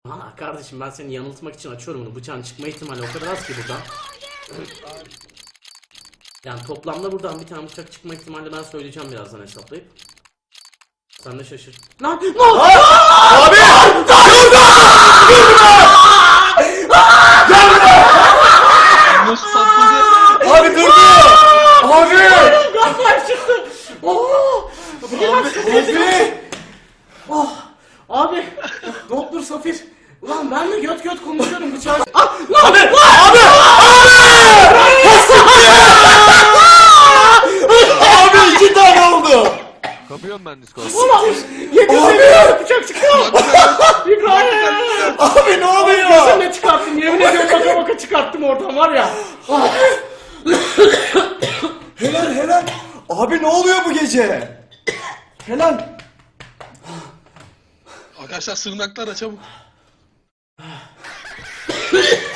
Ha kardeşim ben seni yanıltmak için açıyorum bunu. Bıçağın çıkma ihtimali o kadar az ki buradan. Yani toplamda buradan bir tane bıçak çıkma ihtimali ben söyleyeceğim birazdan hesaplayıp. Sen de şaşır. Lan ne oldu? Abi! Nasıl patladı? Abi durdu! Abi! Gazlar çıktı. Oh! Abi! Oh! Abi! Doktor Safir. Ulan ben de göt göt konuşuyorum bıçağı. Ah! Lan! Abi! Abi! Abi 2 tane oldu! Kapıyorum ben Discord. Ulan! Yemin bıçak çıktı. İbrahim! Abi ne oluyor? Sen ne çıkarttın? Yemin ediyorum baka baka çıkarttım oradan var ya. Ah! Helal helal! Abi ne oluyor bu gece? Helal! Arkadaşlar sığınaklara çabuk.